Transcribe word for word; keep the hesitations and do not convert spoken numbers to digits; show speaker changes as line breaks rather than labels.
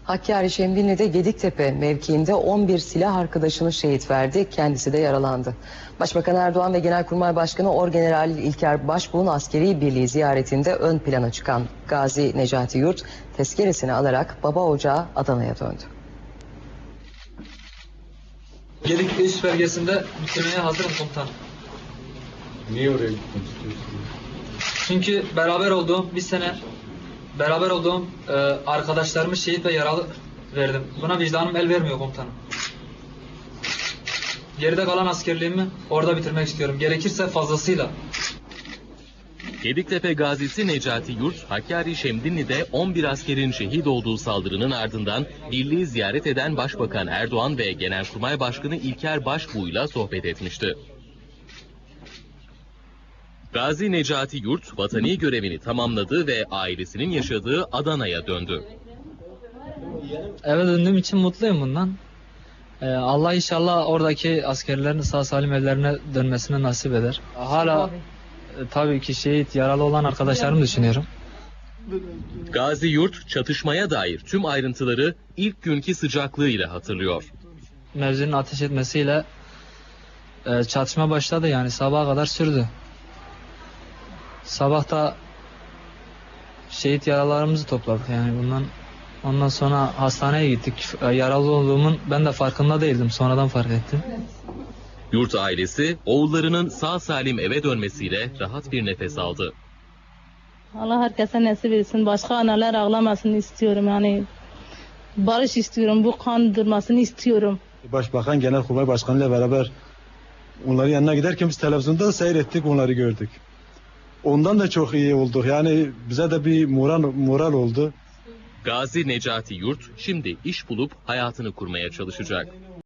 Hakkari Şemdinli'de Gediktepe mevkiinde on bir silah arkadaşını şehit verdi, kendisi de yaralandı. Başbakan Erdoğan ve Genelkurmay Başkanı Orgeneral İlker Başbuğ'un askeri birliği ziyaretinde ön plana çıkan Gazi Necati Yurt tezkeresini alarak baba ocağı Adana'ya döndü.
Gediktepe üst bölgesinde bitirmeye hazırım komutanım.
Niye oraya gitmek istiyorsun?
Çünkü beraber olduğum bir sene beraber olduğum e, arkadaşlarımı şehit ve yaralı verdim. Buna vicdanım el vermiyor komutanım. Geride kalan askerliğimi orada bitirmek istiyorum. Gerekirse fazlasıyla.
Gediktepe gazisi Necati Yurt, Hakkari Şemdinli'de on bir askerin şehit olduğu saldırının ardından birliği ziyaret eden Başbakan Erdoğan ve Genelkurmay Başkanı İlker Başbuğ'yla sohbet etmişti. Gazi Necati Yurt, vatani görevini tamamladı ve ailesinin yaşadığı Adana'ya döndü.
Eve döndüğüm için mutluyum bundan. Ee, Allah inşallah oradaki askerlerin sağ salim evlerine dönmesine nasip eder. Hala e, tabii ki şehit, yaralı olan arkadaşlarımı düşünüyorum.
Gazi Yurt, çatışmaya dair tüm ayrıntıları ilk günkü sıcaklığıyla hatırlıyor.
Mevzinin ateş etmesiyle e, çatışma başladı, yani sabaha kadar sürdü. Sabah da şehit yaralarımızı topladık, yani bundan ondan sonra hastaneye gittik. Yaralı olduğumun ben de farkında değildim, sonradan fark ettim.
Yurt ailesi oğullarının sağ salim eve dönmesiyle rahat bir nefes aldı.
Allah herkese nasip etsin. Başka analar ağlamasını istiyorum, yani barış istiyorum, bu kan durmasını istiyorum.
Başbakan Genelkurmay Başkanı ile beraber onların yanına giderken biz televizyonda seyrettik, onları gördük. Ondan da çok iyi olduk. Yani bize de bir moral, moral oldu.
Gazi Necati Yurt şimdi iş bulup hayatını kurmaya çalışacak.